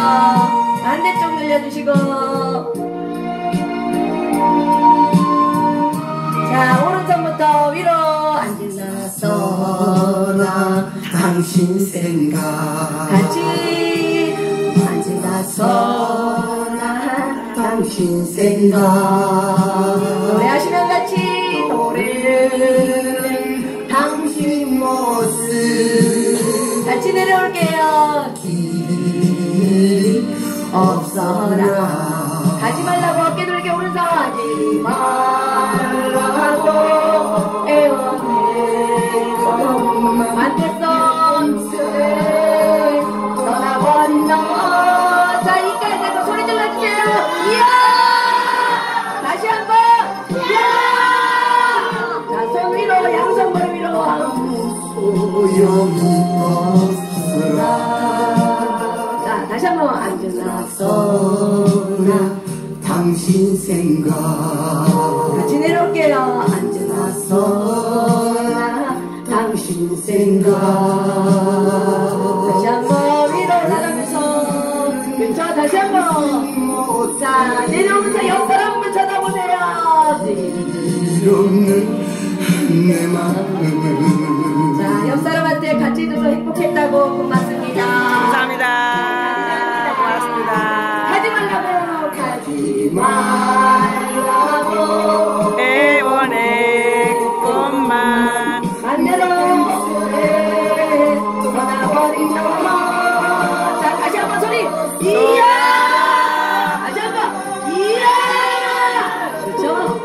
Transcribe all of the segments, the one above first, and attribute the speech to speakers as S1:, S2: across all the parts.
S1: 반대쪽 늘려주시고. 자, 오른손부터 위로 앉으나서나
S2: 당신 생각
S1: 같이 앉으나서나
S2: 당신 생각
S1: 노래하시면 같이 노래는
S2: 당신 모습
S1: 같이 내려올게요.
S2: 길이 없어라
S1: 가지 말라고 어깨 돌게 오른손 하지 말라고 애원해 반대손 떠나버린 너. 자, 이까지 대고 소리 질러주세요. 이야! 다시 한번 이야! 자, 손 위로 양손 무릎 위로
S2: 소용이 없으라
S1: 자, 다시 한번 앉으나서
S2: 당신 생각
S1: 같이 내려올게요. 앉으나서나
S2: 당신 생각
S1: 다시 한번 위로 올라가면서 그쵸. 다시 한번. 자, 내려오면서 옆 사람 한번 쳐다보세요.
S2: 없는 내 마음
S1: 자, 옆 사람한테 같이 있어서 행복했다고 고맙습니다.
S3: 감사합니다. 고맙습니다.
S1: 가지 말라고 가지 말라고
S3: 애원의 꽃만
S1: 반대로 떠나버린 너. 자, 다시 한번 소리 이야! 다시 한번 이야! 그렇죠?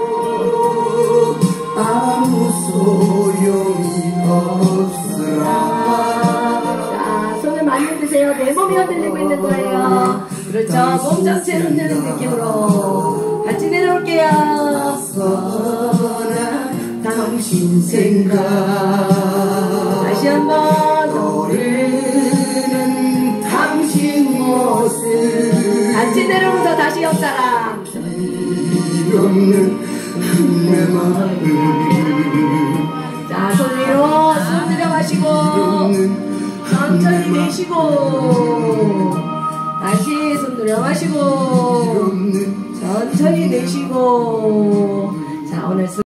S2: 아무 소용이 없으라
S1: 자, 손을 많이 흔드세요. 내 몸이 흔들리고 있는 거예요. 그렇죠. 몸 전체 흔드는 느낌으로 같이 내려올게요.
S2: 당신 생각
S1: 다시 한번
S2: 노래는 당신 모습
S1: 같이 내려오면서 다시 옆 사람.
S2: 없는 내 마음
S1: 자, 손 위로 숨 들여 마시고 천천히 내쉬고 다시 손 들여 마시고 천천히 내쉬고. 자, 오늘